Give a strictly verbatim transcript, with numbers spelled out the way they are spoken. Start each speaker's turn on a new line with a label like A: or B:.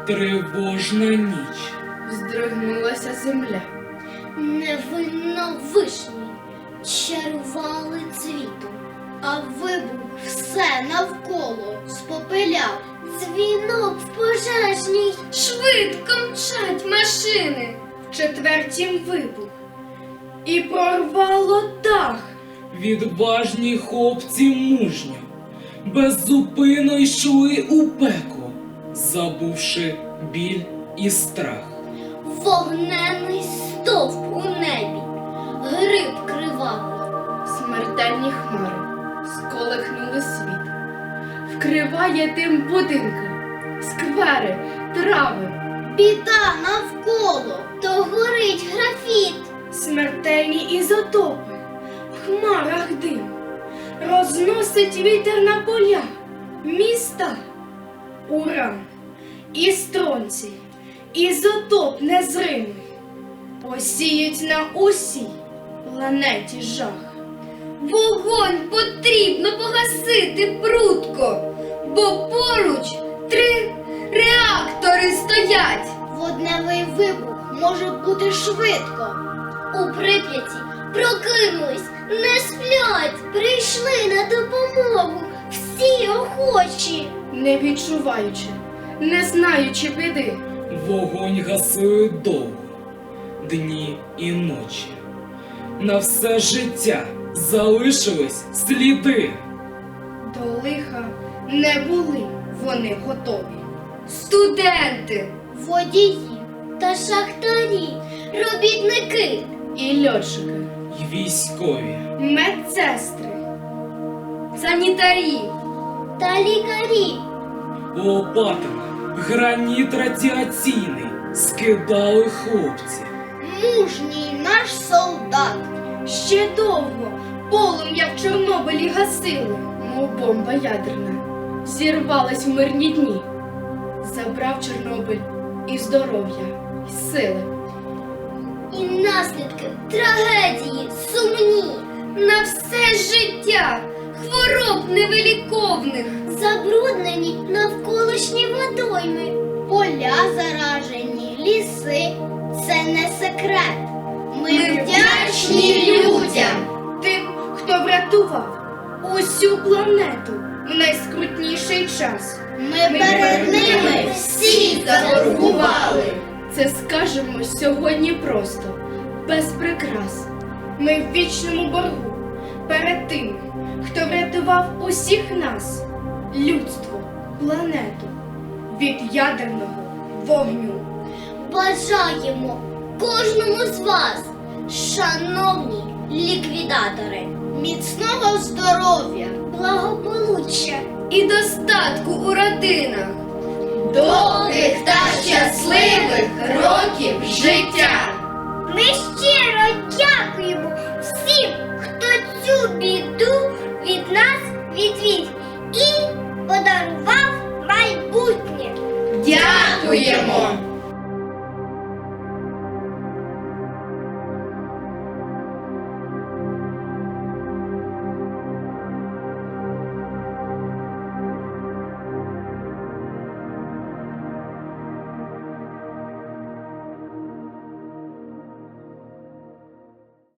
A: Тривожна ніч.
B: Здригнулася земля.
C: Невинно вишні чарували цвітом, а вибух все навколо спопиляв. Дзвінок в пожежній,
B: Швидко мчать машини. В четвертім вибух. І прорвало дах.
A: Відважні хлопці мужньо, беззупинно йшли у пекло, забувши біль і страх.
C: вогненний стовп у небі, гриб кривавий.
B: Смертельні хмари сколихнули світ. Вкриває дим будинки, сквери, трави.
C: Біда навколо, то горить графіт.
B: Смертельні ізотопи, в хмарах дим. Розносить вітер на поля, міста. Уран і стронцій, ізотоп незримий. Посіють на усій планеті жах. Вогонь потрібно погасити прудко, бо поруч три реактори стоять.
C: Водневий вибух може бути швидко. У Прип'яті прокинулись, не сплять, прийшли на допомогу всі охочі.
B: Не відчуваючи, не знаючи біди,
A: Вогонь гасили довго, дні і ночі. На все життя залишились сліди.
B: до лиха не були вони готові. Студенти
C: Водії та шахтарі, робітники,
B: і льотчики,
A: й військові.
B: медсестри, санітарі,
C: та лікарі.
A: Лопатами граніт радіаційний скидали хлопці.
C: Мужній наш солдат.
B: ще довго полум'я в Чорнобилі гасили, мов бомба ядерна, зірвалась в мирні дні. Забрав Чорнобиль і здоров'я, і сили.
C: І наслідки трагедії сумні.
B: На все життя хвороб невиліковних.
C: Забруднені навколишні водойми, поля заражені, ліси. Це не секрет. Ми, вдячні людям.
B: Тим, хто врятував усю планету в найскрутніший час.
C: Ми перед ними всі заборгували.
B: Це скажемо сьогодні просто, без прикрас. Ми в вічному боргу перед тим, хто врятував усіх нас, людство, планету від ядерного вогню.
C: Бажаємо кожному з вас, шановні ліквідатори, міцного здоров'я, благополуччя
B: І достатку у родинах.
C: довгих та щасливих років життя. Ми щиро дякуємо